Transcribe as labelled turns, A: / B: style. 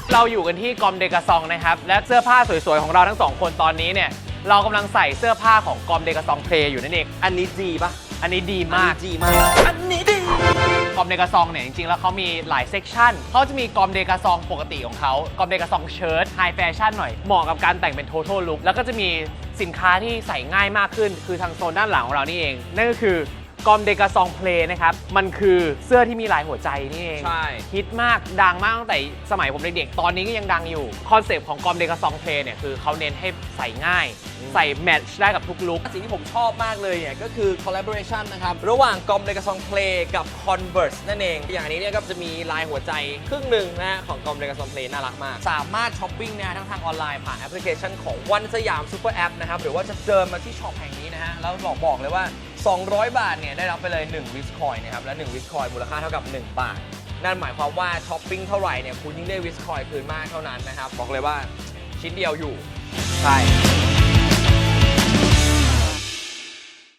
A: เราอยู่กันที่กอมเดกาซองนะครับและเสื้อผ้าสวยๆของเราทั้ง2คนตอนนี้เนี่ยเรากำลังใส่เสื้อผ้าของกอมเดกาซองเพลย์อยู่นั่นเอง
B: อันนี้ดีปะ
A: อันนี้ดีมาก
B: อันนี้ดี
A: กอมเดกาซองเนี่ยจริงๆแล้วเขามีหลายเซกชันเขาจะมีกอมเดกาซองปกติของเขากอมเดกาซองเชิ้ตไฮแฟชั่นหน่อยเหมาะกับการแต่งเป็น total look แล้วก็จะมีสินค้าที่ใส่ง่ายมากขึ้นคือทางโซนด้านหลังของเรานี่เองนั่นก็คือกอมเดกาซองเพลย์นะครับมันคือเสื้อที่มีลายหัวใจนี่เอง
B: ใช่
A: ฮิตมากดังมากตั้งแต่สมัยผมเด็กๆตอนนี้ก็ยังดังอยู่คอนเซปต์ของกอมเดกาซองเพลย์เนี่ยคือเขาเน้นให้ใส่ง่ายใส่แมทช์ได้กับทุกลุค
B: สิ่งที่ผมชอบมากเลยเนี่ยก็คือ collaboration นะครับระหว่างกอมเดกาซองเพลย์กับ Converse นั่นเองอย่างอันนี้เนี่ยก็จะมีลายหัวใจครึ่งหนึ่งนะของกอมเดกาซองเพลย์น่ารักมากสามารถช้อปปิ้งนะทั้งทางออนไลน์ผ่านแอปพลิเคชันของวันสยามซูเปอร์แอปนะครับหรือว่าจะเดินมาที่ช็อปแห่งนี้นะฮะแล้วบอกเลยว่า200 บาทเนี่ยได้รับไปเลย1วิสคอยน์นะครับและ1วิสคอยน์มูลค่าเท่ากับ1 บาทนั่นหมายความว่าช้อปปิ้งเท่าไหร่เนี่ยคุณยิ่งได้วิสคอยน์คืนมากเท่านั้นนะครับบอกเลยว่าชิ้นเดียวอยู่ใช่